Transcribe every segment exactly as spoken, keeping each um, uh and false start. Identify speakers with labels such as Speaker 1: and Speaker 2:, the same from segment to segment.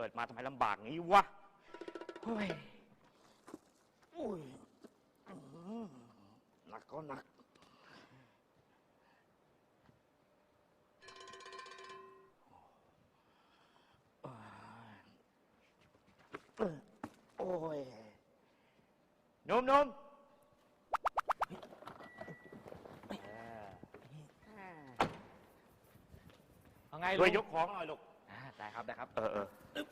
Speaker 1: กิดมาทำไมลำบากงี้วะเฮ้ยอุ้ยหนักก็หนักโอ้ยนมนม
Speaker 2: เอาไง
Speaker 1: ช่วยยกของหน่อยลูก
Speaker 2: ได้ครับได้ครับ
Speaker 1: เออเออ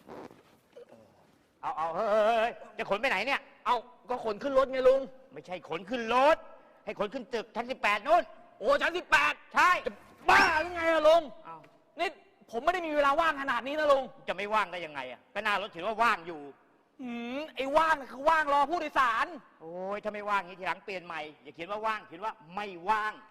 Speaker 1: เอาเอาเฮ้ยจะขนไปไหนเนี่ย
Speaker 2: เอาก็ขนขึ้นรถไงลุง
Speaker 1: ไม่ใช่ขนขึ้นรถให้ขนขึ้นตึกชั้นสิบแปดนู่น
Speaker 2: โอ้ชั้นสิบแปด
Speaker 1: ใช่
Speaker 2: บ้าหรือไงอะลุงนี่ผมไม่ได้มีเวลาว่างขนาดนี้นะลุง
Speaker 1: จะไม่ว่างได้ยังไงอะก็หน้ารถถือว่าว่างอยู่
Speaker 2: หืมไอ้ว่างคือว่างรอผู้โดยสาร
Speaker 1: โอ้ยถ้าไม่ว่างนี้ทีหลังเปลี่ยนใหม่อย่าเขียนว่าว่างเขียนว่าไม่ว่าง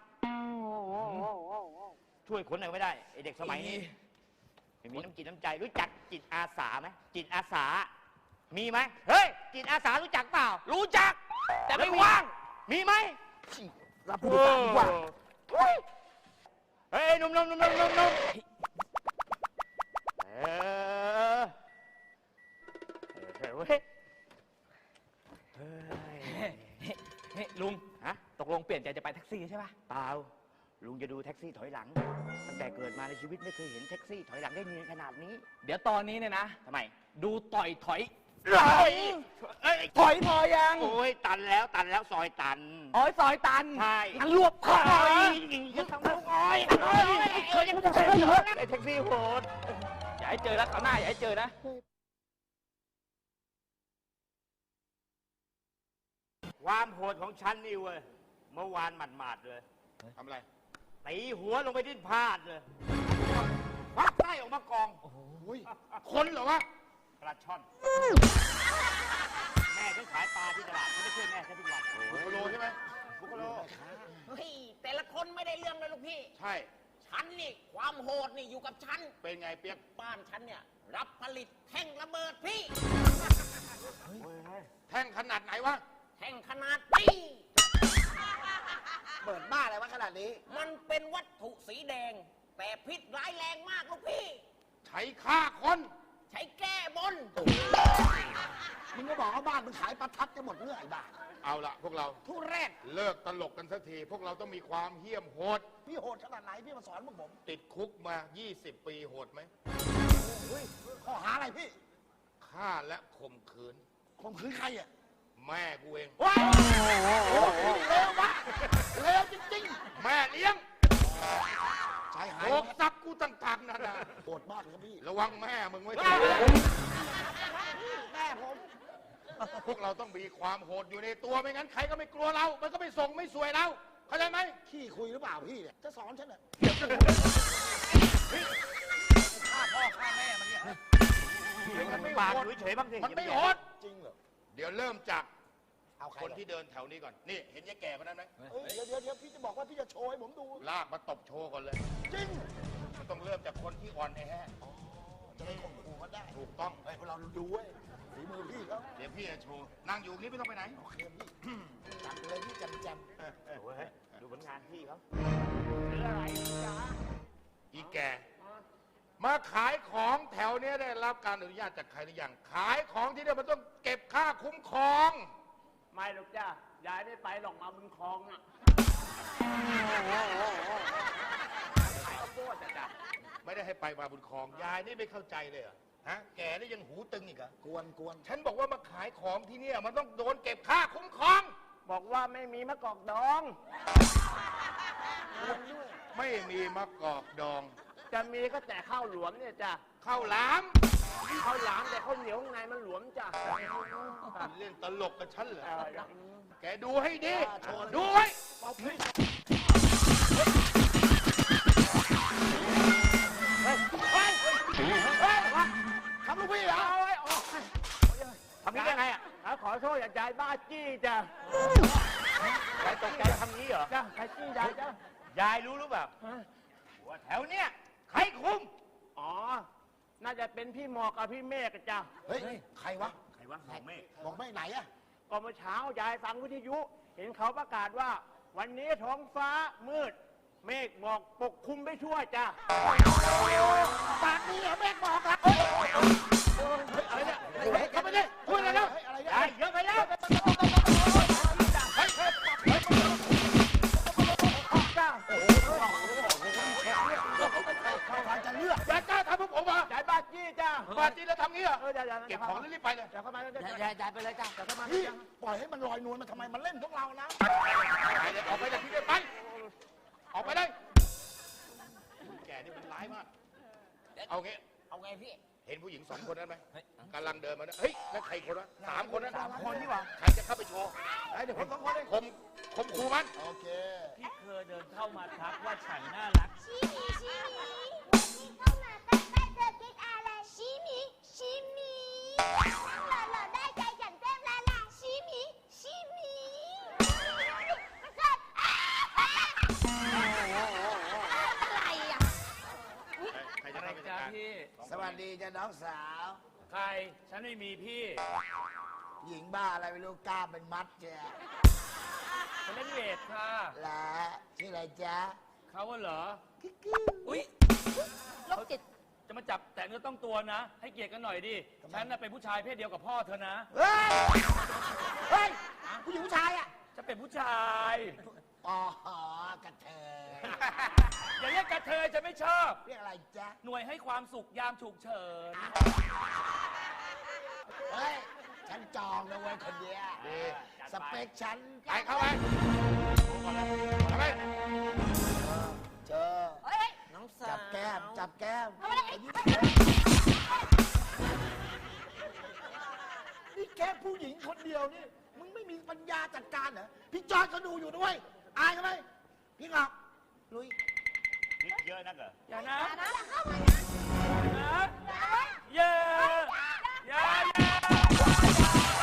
Speaker 1: ช่วยขนหน่อยไม่ได้ไอเด็กสมัยนี้ไม่มีน้ำจิตน้ำใจรู้จักจิตอาสาไหมจิตอาสามีไหมเฮ้ยจิตอาสารู้จักเปล่า
Speaker 2: รู้จักแต่ไม่ว่าง
Speaker 1: มีไหม
Speaker 2: รับผู้โดยสารดีกว่า
Speaker 1: เฮ้ยนุ่มนุ่มนุ่มนุ่มนุ่มนุ่มเออเฮ้ย
Speaker 2: เฮ้ยลุงฮะตกลงเปลี่ยนใจจะไปแท็กซี่ใช่ป่ะ
Speaker 1: เปล่าลุงจะดูแท็กซี่ถอยหลังตั้งแต่เกิดมาในชีวิตไม่เคยเห็นแท็กซี่ถอยหลังได้เนียนขนาดนี้
Speaker 2: เดี๋ยวตอนนี้เนี่ยนะ
Speaker 1: ทำไม
Speaker 2: ดูต่อยถอย
Speaker 1: ถอย
Speaker 2: ถอยพอยัง
Speaker 1: โอ้ยตันแล้วตันแล้วซอยตัน
Speaker 2: อ๋อซอยตัน
Speaker 1: ใช่
Speaker 2: งั้นรวบถอย
Speaker 1: จะทำอะไรโอ้ยเออยังไม่ได้ไอ้แท็กซี่โหด
Speaker 2: อย่าให้เจอแล้วคราวหน้าอย่าให้เจอนะ
Speaker 1: ความโหดของฉันนี่เว้ยเมื่อวานหมาดๆเลย
Speaker 3: ทำอะไร
Speaker 1: ตีหัวลงไปที่พาดเลยควักไส้ออกมากอง
Speaker 3: โอ้โหคนเหรอวะ
Speaker 1: ปลาช่อนแม่ฉันขายปลาที่ตลาดฉันไม่ช่วยแม่ฉันทุกวัน
Speaker 3: บุคโลใช่ไหม
Speaker 1: บุคโล
Speaker 4: เฮ้ยแต่ละคนไม่ได้เรื่องเลยลูกพี่
Speaker 3: ใช่
Speaker 4: ฉันนี่ความโหดนี่อยู่กับฉัน
Speaker 3: เป็นไงเปียก
Speaker 4: บ้านฉันเนี่ยรับผลิตแท่งระเบิดพี่
Speaker 3: แท่งขนาดไหนวะ
Speaker 4: แท่งขนาดนี้
Speaker 3: เปิดบ้าอะไรวะขนาดนี้
Speaker 4: มันเป็นวัตถุสีแดงแต่พิษร้ายแรงมากลูกพี่
Speaker 3: ใช้ฆ่าคน
Speaker 4: ใช้แก้บน
Speaker 3: มึงก็บอกว่าบ้านมึงขายประทัดจะหมดเรื่องไอ้บ้าเอาละพวกเรา
Speaker 4: ทุเรศ
Speaker 3: เลิกตลกกันสักทีพวกเราต้องมีความเหี้ยมโหด
Speaker 4: พี่โหดขนาดไหนพี่มาสอนพวกผม
Speaker 3: ติดคุกมายี่สิบปีโหดไหม
Speaker 4: ข้อหาอะไรพี่
Speaker 3: ฆ่าและข่มขืน
Speaker 4: ข่มขืนใครอ่ะ
Speaker 3: แม่กูเอง
Speaker 4: ว้าวเลววะเลวจริง
Speaker 3: ๆแม่เลี้ยง
Speaker 4: ชายหาย
Speaker 3: โอกซับกูต่างๆนั่นนะ
Speaker 4: โหดมากเลยครับพี่
Speaker 3: ระวังแม่มึงไว้
Speaker 4: แม่ผม
Speaker 3: พวกเราต้องมีความโหดอยู่ในตัวไม่งั้นใครก็ไม่กลัวเรามันก็ไม่ส่งไม่สวยเราเข้าใจไหม
Speaker 4: ขี้คุยหรือเปล่าพี่เนี่ยจะสอนฉันเหรอฆ่าพ่อฆ่าแม่มันเนี่ย
Speaker 1: มันไม่ปากเฉยๆบ้างสิ
Speaker 3: มันไม่โหดจริงเหรอเดี๋ยวเริ่มจากคนที่เดินแถวนี้ก่อนนี่เห็นยายแก่คนนั้นไหม
Speaker 4: เดี๋ยวเดี๋ยวเดี๋ยวพี่จะบอกว่าพี่จะโชว์ให้ผมดู
Speaker 3: ลากมาตบโชว์ก่อนเลย
Speaker 4: จริง
Speaker 3: มันต้องเริ่มจากคนที่อ่อนแอ
Speaker 4: จะได้ข่มขู่กันได้
Speaker 3: ถูกต้อง
Speaker 4: ไอ้พวกเราดูเว้ยฝีมือพี่เขา
Speaker 3: เดี๋ยวพี่จะโชว์นั่งอยู่นี่ไม่ต้องไปไหน
Speaker 4: โอเคพี่จับเลยพี่จำจ
Speaker 1: ำดูผลงานพี่เขา
Speaker 4: หรืออะไรจ๊ะ
Speaker 3: อีแกมาขายของแถวนี้ได้รับการอนุญาตจากใครหรือยังขายของที่นี่มันต้องเก็บค่าคุ้มครอง
Speaker 4: ไม่หรอกจ้ายายไม่ไปหรอกมาบุญคลองอ่ะ
Speaker 3: ขายข้าวโพดจ้ะไม่ได้ให้ไปมาบุญคลองยายนี่ไม่เข้าใจเลยเหรอฮะแกนี่ยังหูตึงอีกเหรอก
Speaker 4: วนกวน
Speaker 3: ฉันบอกว่ามาขายของที่นี่มันต้องโดนเก็บค่าคุ้มครอง
Speaker 4: บอกว่าไม่มีมะกอกดอง
Speaker 3: ไม่มีมะกอกดอง
Speaker 4: จะมีก็แต่ข้าวหลวมเนี่ยจ้ะ
Speaker 3: ข้าวหลาม
Speaker 4: ข้าวหลามแต่ข้าวเหนียวข้างในมันหลวมจ้ะ
Speaker 3: เล่นตลกกับฉันเหรอแกดูให้ดีดูไว้ทำลูกพี่เหรอ
Speaker 1: ทำนี้ได้ไงอ่ะ
Speaker 4: ขอโทษอย่าใจบ้าจี้จ้ะ
Speaker 1: ยายตกใจทำนี้เหรอ
Speaker 4: จ้ะใครจี้ยายจ้ะ
Speaker 1: ยายรู้หรือเปล่าว่าแถวเนี้ยใครคุม
Speaker 4: อ๋อน่าจะเป็นพี่หมอกกับพี่เมฆจ้ะ
Speaker 3: เฮ้ยใครวะ
Speaker 1: ใครวะหมอกเมฆ
Speaker 3: หมอกเมฆไหนอะ
Speaker 4: ก็เมื่อเช้ายายฟังวิทยุเห็นเขาประกาศว่าวันนี้ท้องฟ้ามืด
Speaker 1: เมฆหมอกปกคลุมไม่ทั่วจ้ะ
Speaker 3: ปากนี้เหรอแม่บอกละอะไรเนี่ยเข้าไปดิพูดอะไรแล้ว
Speaker 1: ไอ้เยอะไปแล้ว
Speaker 3: จะเลือกอย่ากล้าทำพวกผมอ่ะ
Speaker 1: จ่ายบาทยี่จ้ะ
Speaker 3: บาดจีแล้วทำงี้เหรอ
Speaker 1: เออเดี๋ยวเดี๋ยว
Speaker 3: เก็บของแล้วรีบไปเลย
Speaker 1: เดี๋ยวเข้ามาแล้วเดี๋ยวจ่ายจ่ายไปเลยจ้ะเดี๋ยวเข้ามา
Speaker 5: พี่ปล่อยให้มันลอยนวลมาทำไมมันเล่นพวกเรานะ
Speaker 3: ไปเลยออกไปจากที่นี่ไป ออกไปเลยแกนี่มันร้ายมาก เอางี้
Speaker 4: เอาไงพี่
Speaker 3: เห็นผู้หญิงสองคนนั้นไหมกำลังเดินมาเนี่ยเฮ้ยนั่นใครคนวะสามคนนั้น
Speaker 5: สามคนนี่หว่า
Speaker 3: ใครจะเข้าไปโชว์
Speaker 5: เดี๋ยวผมสองคนเอง
Speaker 3: คมคมคูมัน
Speaker 5: โอเค
Speaker 2: พี่เคยเดินเข้ามาทักว่าฉันน่ารัก
Speaker 6: ชิมิชิมิวันนี้เข้ามาใกล้ๆเธอคิดอะไรชิมิชิมิหล่อหล่อได้ใจฉันเต็มละละชิมิชิมิมันเกิดอะไรอ่ะ
Speaker 3: ใครจะ
Speaker 2: อะไร
Speaker 3: เข้าไปจัด
Speaker 2: จ้า
Speaker 3: การ
Speaker 2: พี่
Speaker 5: สวัสดีจ้ะน้องสาว
Speaker 2: ใคร ฉันไม่มีพี่
Speaker 5: หญิงบ้าอะไรไม่รู้กล้ามเป็นมัดเจ้ะ
Speaker 2: ฉันเล่นเวทค่ะ
Speaker 5: และชื่ออะไรจ๊ะ
Speaker 2: เขาว่าเหรอ
Speaker 5: กิ๊กกิ๊ก
Speaker 2: อุ้ย
Speaker 6: โรคจิต
Speaker 2: จะมาจับแต่เนื้อต้องตัวนะ ให้เกียรติกันหน่อยดิ ฉันน่ะเป็นผู้ชายเพศเดียวกับพ่อเธอนะ
Speaker 5: เฮ้ย เฮ้ย ผู้หญิงผู้ชายอ่ะ
Speaker 2: จะเป็นผู้ชาย
Speaker 5: อ๋อกระเทย
Speaker 2: อย่าเรียกกระเทยจะไม่ชอบ
Speaker 5: เรียกอะไรจ๊ะ
Speaker 2: หน่วยให้ความสุขยามฉุกเฉิน
Speaker 5: เฮ้ย ฉันจองนะเว้ยคนเดียว
Speaker 3: ดี
Speaker 5: สเปคฉัน
Speaker 3: ไปเข้าไปเข้าไป
Speaker 5: เจอ
Speaker 6: เฮ้ย
Speaker 4: น้องสาว
Speaker 5: จับแก้ม จับแก้ม
Speaker 6: ทำอะไร
Speaker 5: ไอ้นี่นี่แค่ผู้หญิงคนเดียวนี่ มึงไม่มีปัญญาจัดการเหรอ พี่จอยก็ดูอยู่ด้วย อายเขาไหมพี่งอกลุย
Speaker 1: นิดเยอะนักเหรอ
Speaker 2: อย่านะ
Speaker 6: อย่านะเข้ามานะ
Speaker 2: นะอย่าอย่าอย่า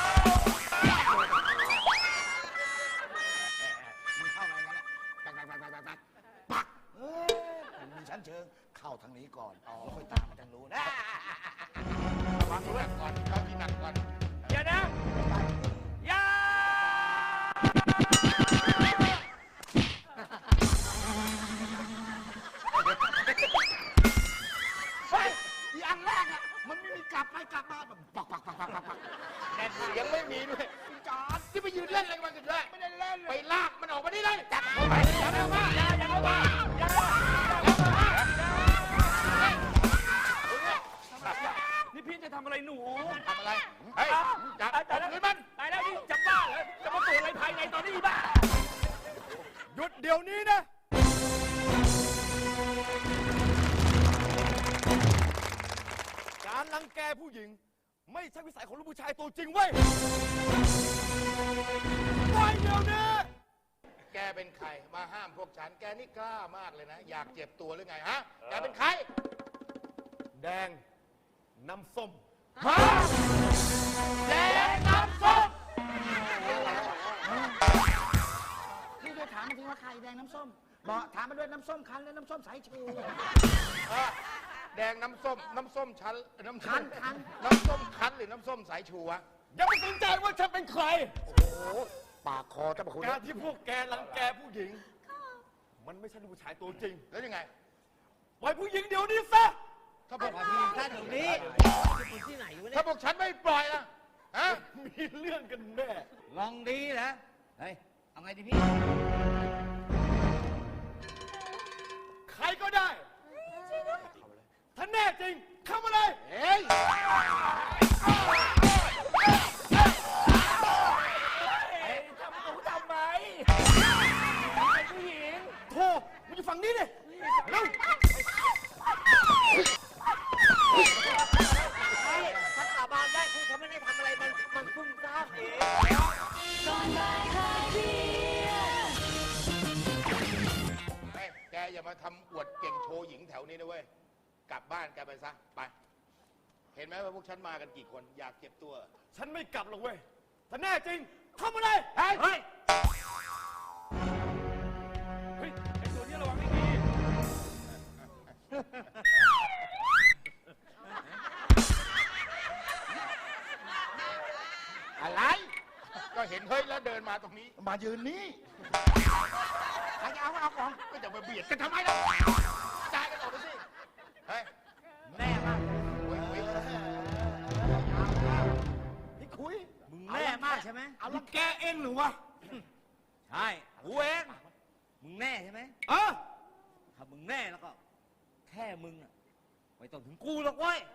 Speaker 5: มึงเข้ามาอย่างนั้นแหละปักปักปักปักปักปักเอ้ยมันมีชั้นเชิง เข้าทางนี้ก่อนแล้วค่อยตามมาทางนู้นนะ
Speaker 3: ระวังด้วยก่อนเข้าที่หนักก่อน
Speaker 2: อย่านะอย่า
Speaker 5: เฮ้ยอีอันแรกอ่ะ มันไม่มีกลับไปกลับมาแบบปักปักปักปักปักปัก
Speaker 3: แน่นเสียงไม่มีด้วย
Speaker 5: พี่จอด
Speaker 3: ที่ไปยืนเล่นอะไรกันกันด้วย
Speaker 5: ไม่ได้เล่นเล
Speaker 3: ไป
Speaker 5: ย
Speaker 3: ลากมันออกมาได้เลยจับเข้าไปจับเข้ามา
Speaker 2: อย่าอย่าเข้ามาอย่า นี่พี่จะทำอะไรหนู
Speaker 3: ทำอะไร เฮ้ย จับ
Speaker 2: ตายแล้ว
Speaker 3: เงินมัน
Speaker 2: ตายแล้วนี่จะบ้าเหรอจะมาตรวจอะไรภายในตอนนี้อีบ้า
Speaker 3: หยุดเดี๋ยวนี้นะ
Speaker 7: การรังแกผู้หญิง ไม่ใช่วิสัยของลูกผู้ชายตัวจริงเว้ยปล่อยเดี๋ยวนี้
Speaker 3: แกเป็นใคร มาห้ามพวกฉัน แกนี่กล้ามากเลยนะ อยากเจ็บตัวหรือไงฮะ แกเป็นใคร
Speaker 7: แดง น้ำส้ม
Speaker 3: ฮะแดงน้ำส้ม
Speaker 5: พี่ด้วยถามมาทีว่าใครแดงน้ำส้ม บอกถามมาด้วยน้ำส้มคั้นและน้ำส้มสายชู
Speaker 3: เออแดงน้ำส้ม น้ำส้มชั้นน้ำ
Speaker 5: คั้นคั้น
Speaker 3: น้ำส้มคั้นหรือน้ำส้มสายชูวะ
Speaker 7: อย่าไปสนใจว่าฉันเป็นใคร
Speaker 3: ปากคอเจ้าพระคุณ
Speaker 7: การที่พวกแกรังแกผู้หญิง มันไม่ใช่ลูกผู้ชายตัวจริง
Speaker 3: แล้วยังไง
Speaker 7: ปล่อยผู้หญิงเดี๋ยวนี้ซะ
Speaker 3: ถ้าพวก
Speaker 4: ท่านอยู่นี่ที่ไหนวะเนี่
Speaker 3: ถ้าย พวกฉันไม่ปล่อยล่ะฮะ
Speaker 7: มีเรื่องกันแน่
Speaker 4: ลองดีนะเฮ้ย เอาไงดีพี่
Speaker 7: ใครก็ได้ ถ้าแน่จริง เข้ามาเลย
Speaker 3: เฮ้ย
Speaker 2: ทำหนูทำไมเป็นผู้หญิง
Speaker 7: โธ่มึงอยู่ฝั่งนี้ดิเร็ว
Speaker 4: ถ้าสาบานได้คือฉันไม่ได้ทำอะไร มัน มันซุ่มซ่ามเอง
Speaker 3: เฮ้ยแกอย่ามาทำอวดเก่งโชว์หญิงแถวนี้นะเว้ย กลับบ้านแกไปซะ ไป เห็นไหมว่าพวกฉันมากันกี่คน อยากเจ็บตัว
Speaker 7: ฉันไม่กลับหรอกเว้ย ถ้าแน่จริง เข้ามาเลย
Speaker 3: เฮ้ย
Speaker 2: เฮ้ย เฮ้ย ไอ้ตัวนี้ระวังให้ดี
Speaker 3: อะไร ก็เห็นเฮ้ยแล้วเดินมาตรงนี้
Speaker 5: มายืนนี่
Speaker 3: ใครจะเอาก็เอาของก็จะมาเบียดกันทำไมล่ะจ่ายกันออกไปสิเฮ้ย
Speaker 1: แน่มาก
Speaker 3: เว้ยเว้ย
Speaker 5: พี่คุย
Speaker 1: มึงแน่มากใช่ไหม
Speaker 5: เอาละแกเองหรือวะ
Speaker 1: ใช่กูเองมึงแน่ใช่ไหม
Speaker 5: เออ
Speaker 1: ถ้ามึงแน่แล้วก็ แค่มึงอะไม่ต้องถึงกูหรอกเว้ย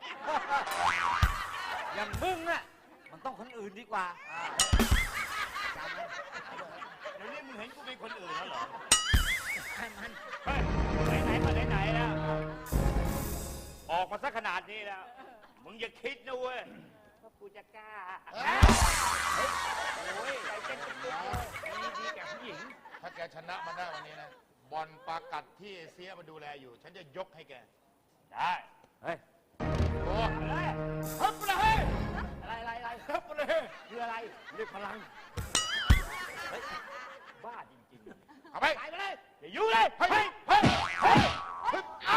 Speaker 1: อย่างมึงอะมันต้องคนอื่นดีกว่าเดี๋ยวนี้มึงเห็นกูเป็นคนอื่นแล้วเหรอให้มันเฮ้ยไหนๆมาไหนๆแล้ว ออกมาซะขนาดนี้แล้ว มึงอย่าคิดนะเว้ยว่ากูจะกล้าโอ้ยใจเต้นตุ๊บเลยดีดีแก่ผู้หญิง
Speaker 3: ถ้าแกชนะมันได้วันนี้นะ บอลปากัดที่เอเชียมาดูแลอยู่ ฉันจะยกให้แก
Speaker 1: ได้ เฮ้ย
Speaker 3: โอ้
Speaker 1: อะไร
Speaker 3: ฮึบเลย
Speaker 1: อะไรอะไรอะไร
Speaker 3: ฮึบเลย
Speaker 1: คืออะไรเรียกพลัง เฮ้ย บ้าจริงๆ
Speaker 3: เอาไป
Speaker 1: ไปไปเลยอย่ายุ่งเลย
Speaker 3: เฮ้ยเฮ้ยเฮ้ยเฮ้ยฮึบอ้า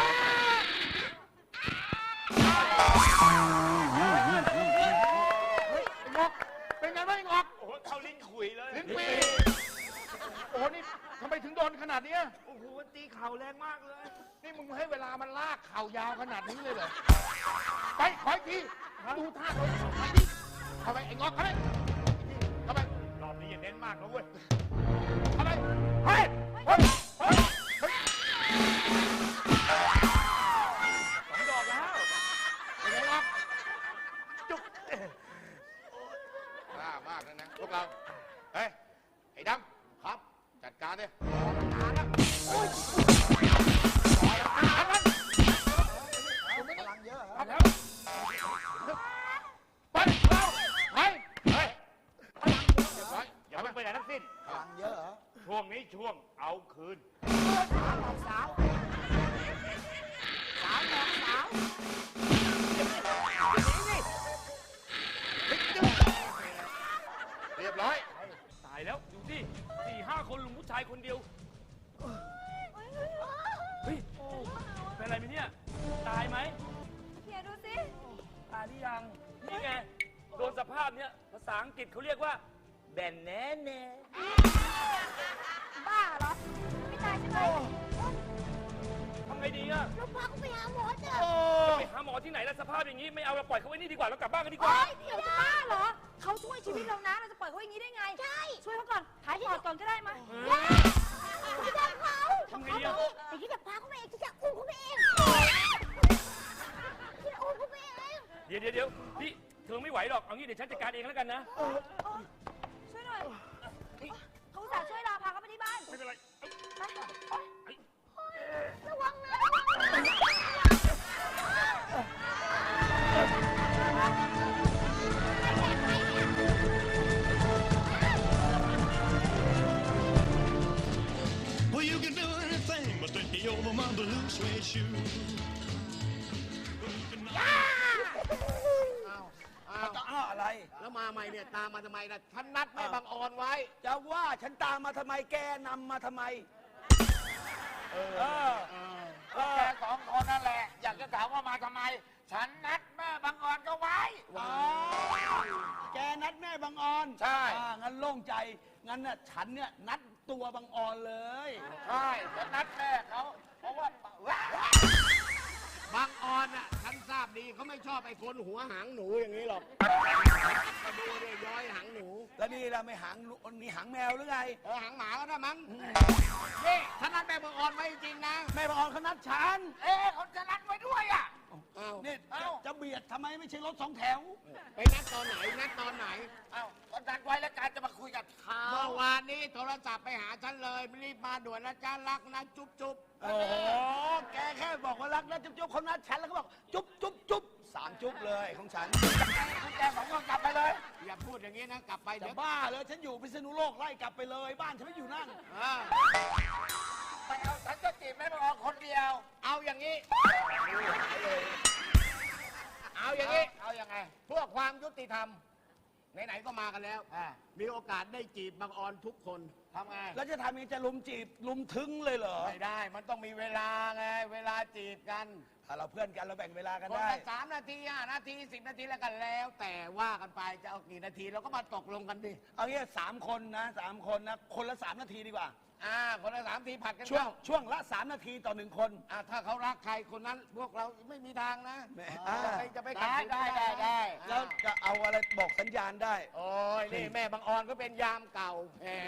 Speaker 3: เฮ้ยไอ้งอกเป็นไงบ้างไอ้งอก
Speaker 1: โอ้โหเข้าลิ้นขุยเลย
Speaker 3: ลิ้นปีโอ้โหนี่ทำไมถึงโดนขนาดเนี้ย
Speaker 1: โอ้โหตีเข่าแรงมากเลย
Speaker 3: นี่มึงให้เวลามันลากเข่ายาวขนาดนี้เลยเหรอ ไปขออีกทีดูท่าโดนไปดิเข้าไปไอ้งอกเข้าไปเข้าไป
Speaker 1: รอบนี้อย่าเน้นมากนะเว้ย
Speaker 3: เข้าไปเฮ้ยเฮ้ยเฮ้ยเฮ้ย
Speaker 1: สองดอกแล้ว
Speaker 3: เป็นไงงอกจุกกล้ามากนะนะพวกเรา เฮ้ย ไอ้ดำครับ จัดการดิการนะโอ้ยการมัน
Speaker 5: พลังเยอะเหรอ
Speaker 3: เอาแล้วไปเราไปเฮ้ยเรียบร้อย
Speaker 1: อย่าเพิ่งไปไหนทั้งสิ้น
Speaker 5: พลังเยอะเหรอ
Speaker 1: ช่วงนี้ช่วงเอาคืน
Speaker 4: สาว สาวบอกสาว
Speaker 3: เรียบร้อย
Speaker 7: ตายแล้วดูสิสี่ห้าคนลุงผู้ชายคนเดียว เฮ้ย เป็นอะไรไหมเนี่ย ตายไหม
Speaker 6: เฮียดูสิ
Speaker 7: ตายหรือยัง นี่ไง โดนสภาพเนี้ยภาษาอังกฤษเขาเรียกว่า แบนแน่แน่
Speaker 6: บ้าเหรอ ไม่ตายใช่ไหม
Speaker 7: ทำไงดีอะ
Speaker 6: เราพาเขาไปหาหมอเถอะ
Speaker 7: ไปหาหมอที่ไหนแล้วสภาพอย่างนี้ไม่เอาเราปล่อยเขาไว้นี่ดีกว่าเรากลับบ้านกันดีก
Speaker 6: โอ๊
Speaker 7: ว่า
Speaker 6: ยเดี๋ยวจะบ้าเหรอ เขาช่วยชีวิตเรานะ เราจะปล่อยเขาอย่างนี้ได้ไง ใช่ ช่วยเขาก่อนหายปอดก่อนก็ได้มั้ยไม่ได้เขา
Speaker 7: ทำไงดีอะ
Speaker 6: ไอ้ที่จะพาเขาไปเองที่จะอุ้มเขาไปเองที่จะอุ้มเขาไปเอง
Speaker 7: เดี๋ยวเดี๋ยวเดี๋ยวพี่เธอไม่ไหวหรอก เอางี้เดี๋ยวฉันจัดการเองแล้วกันนะ
Speaker 6: ช่วยหน่อยเขาอุตส่าห์ช่วยเราพาเขาไปที่บ้าน
Speaker 7: ไม่เป็นไร
Speaker 6: ระวังนะ
Speaker 8: Well, you can do anything but take me over my blue suede shoe.
Speaker 5: จะอ้าอะไร
Speaker 4: แล้วมาใหม่เนี่ย ตามมาทำไมนะฉันนัดแม่บางออนไว้
Speaker 5: จะว่าฉันตามมาทำไม แกนำมาทำไม เออ
Speaker 3: ก็แกสองคนนั่นแหละ อยากจะถามว่ามาทำไม ฉันนัดแม่บางออนก็ไว้
Speaker 5: อ๋อ แกนัดแม่บางออน
Speaker 3: ใช่
Speaker 5: อ่างั้นโล่งใจ งั้นน่ะฉันเนี่ยนัดตัวบางออนเลย
Speaker 3: ใช่ฉันนัดแม่เขาเพราะว่า
Speaker 4: บางออนอ่ะ ฉันทราบดีเขาไม่ชอบไอ้คนหัวหางหนูอย่างนี้หรอกมาดูเนี่ยย้อยหางหนู
Speaker 5: แล้วนี่เราไม่หางลูกนี่หางแมวหรือไง
Speaker 4: เออหางหมาก็ได้มั้งนี่ฉันนัดแม่บางออนไว้จริงๆนะ
Speaker 5: แม่บางออนเขานัดฉัน
Speaker 3: เอ๊ะเขาจะนัดไว้ด้วยอ่ะ
Speaker 4: อ้าว
Speaker 5: นี่จะจะเบียดทำไมไม่ใช่รถสองแถว
Speaker 4: ไปนัดตอนไหน นัดตอนไหน
Speaker 3: เอ้าก็นัดไว้แล้วการจะมาคุยกับเขา
Speaker 4: เมื่อวานนี้โทรศัพท์ไปหาฉันเลยรีบมาด่วนนะจ้ารักนะจุ๊บจุ๊บ
Speaker 5: โอ้โห แกแค่บอกว่ารักนะจุ๊บจุ๊บเขานัดฉันแล้วก็บอกจุ๊บจุ๊บจุ๊บสามจุ๊บเลยของฉัน
Speaker 3: คุณแกสองคนกลับไปเลย
Speaker 4: อย่าพูดอย่างนี้นะ กลับไป
Speaker 5: จะ
Speaker 4: เดี๋ยว
Speaker 5: บ้าเลยฉันอยู่พิษณุโลกไล่กลับไปเลย บ้านฉันไม่อยู่นั่น
Speaker 4: อ่า
Speaker 3: ไปเอาฉันจะจีบแม่บางออนคนเดียว
Speaker 4: เอาอย่างนี้ เอาอย่าง
Speaker 3: นี้
Speaker 4: นี้
Speaker 3: เอายังไง
Speaker 4: เพื่อความยุติธรรมไหนๆก็มากันแล้ว
Speaker 5: อ่า
Speaker 4: มีโอกาสได้จีบบางออนทุกคนทำไง
Speaker 5: แล้วจะทำยังไงจะลุมจีบลุมถึงเลยเหรอ
Speaker 4: ไม่ได้ มันต้องมีเวลาไง เวลาจีบกัน
Speaker 5: ถ้าเราเพื่อนกันเราแบ่งเวลากัน
Speaker 4: คน
Speaker 5: ได้
Speaker 4: ละสามนาทีห้านาทีสิบนาทีแล้วกันแล้ว แต่ว่ากันไปจะเอากี่นาทีเราก็มาตกลงกันดิ
Speaker 5: เอางี้สามคนนะสามคนนะคนละสามนาทีดีกว่า
Speaker 4: อ่า คนละสามทีผัดกัน
Speaker 5: ช่วง
Speaker 4: เข้า
Speaker 5: ช่วงละสามนาทีต่อหนึ่งคน
Speaker 4: อ่าถ้าเขารักใครคนนั้นพวกเราไม่มีทางนะ
Speaker 5: แหม
Speaker 4: จะไปจะไปขั
Speaker 5: ได้
Speaker 4: ขืน
Speaker 5: ได้ได้ได้
Speaker 4: อ่า
Speaker 5: แล้วจะเอาอะไรบอกสัญญาณได้
Speaker 4: โอ้ยนี่แม่บางออนก็เป็นยามเก่าแหม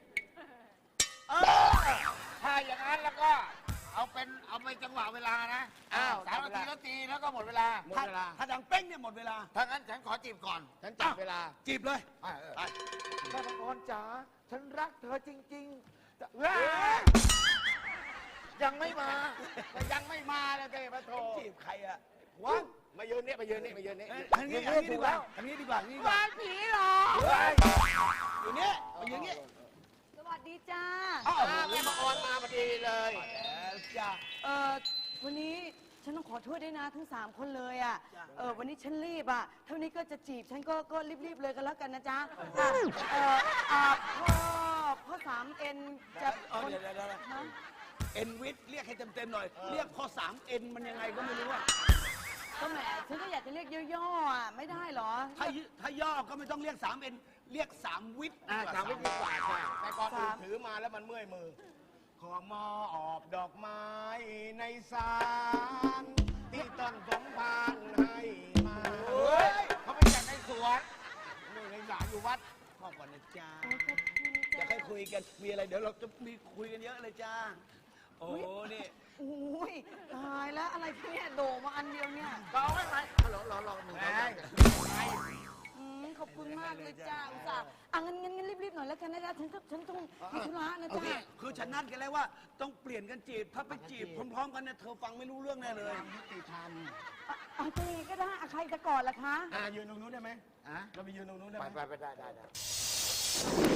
Speaker 4: ถ้าอย่างนั้นแล้วก็เอาเป็นเอาไปจังหวะเวลานะอ้าวสามนาทีแล้วตีแล้วก็หมดเวลาหมด
Speaker 5: ถ้า
Speaker 4: เวลา
Speaker 5: ถ้าดังเป้งเนี่ยหมดเวลา
Speaker 4: ถ้างั้นฉันขอจีบก่อน ฉันจับเวลา
Speaker 5: จีบเลย
Speaker 4: อ่ะเออ
Speaker 5: ไป
Speaker 4: แม่บางออนจ๋าฉันรักเธอจริงๆจะเว้ยยังไม่มาแต่ยังไม่มาเลยเต้ปะโถ
Speaker 5: จีบใครอะ
Speaker 4: วังมายืนนี่มายืนนี่มายืนนี่
Speaker 5: เอ้ยอันนี้อันนี้ดีกว่าอันนี้ดีกว่าอันนี้ดีกว่า
Speaker 4: บ้านผีเหรอ
Speaker 5: อยู่นี่มาอยู่นี่
Speaker 9: สวัสดีจ้า
Speaker 5: อ้าว
Speaker 4: อ่าแม่บางออนมาพอดีเลย
Speaker 5: แล้วจ้ะ
Speaker 9: เออวันนี้ฉันต้องขอโทษด้วยนะทั้งสามคนเลยอ่ะ
Speaker 5: จ้ะ
Speaker 9: เออวันนี้ฉันรีบอ่ะ เท่านี้ก็จะจีบฉันก็ก็รีบๆเลยกันแล้วกันนะจ๊ะอ่ะเอออ่ะพ่อพ่อสามเอ็นจะ
Speaker 5: เอาเดี๋ยวเดี๋ยวเดี๋ยว
Speaker 9: ฮะ
Speaker 5: เอ็นวิทย์เรียกให้เต็มๆหน่อย เรียกพอสามเอ็นมันยังไงก็ไม่รู้อะ
Speaker 9: ก็แหมฉันก็อยากจะเรียกย่อๆอ่ะไม่ได้เหรอ
Speaker 5: ถ้าย่ถ้าย่อก็ไม่ต้องเรียกสามเอ็นเรียกสามวิทย์
Speaker 4: อ่า
Speaker 5: ดีกว่
Speaker 4: สามวิธีกว่าใช่แต่ก่อนอื่น
Speaker 9: สาม
Speaker 4: ถือมาแล้วมันเมื่อยมือ ขอมอบดอกไม้ในสาร ที่ต้นสมพานให้มาเฮ้ยเขาไปจากในสวนนี่ในศาลอยู่วัด
Speaker 5: พ่อก่อนนะจ้า
Speaker 9: โอ้ขอบคุณ
Speaker 5: เดี๋ยวค่อยคุยกัน มีอะไรเดี๋ยวเราจะมีคุยกันเยอะเลยจ้า โอ้นี่
Speaker 9: โอ้ยตายแล้วอะไรคะเนี่ยโด่งมาอันเดียวเนี่ย
Speaker 4: ก็เอาไว้ไหมรอรอรอหนึ่งรอ
Speaker 9: อืมขอบคุณมากเลยจ้าอุตส่าห์อ่ะงั้นงั้นงั้นรีบๆหน่อยแล้วกันนะจ๊ะฉันต้องฉันต้องมีธุระนะ
Speaker 5: โอ
Speaker 9: จ๊ะ
Speaker 5: เคคือฉันนัดกันแล้วว่าต้องเปลี่ยนกันจีบ ถ้าไปจีบพร้อมๆกันเนี่ยเธอฟังไม่รู้เรื่องแน่เลย
Speaker 4: ยุติธรรม
Speaker 9: อ่ะอ่ะจะยังไงก็ได้อ่ะใครจะก่อนล่ะคะ
Speaker 4: อ่ายืนตรงนู้นได้ไหม
Speaker 5: อ่ะ
Speaker 4: เราไปยืนตรงนู้นได้ไหม
Speaker 5: ไปไปไปได้ได้ได้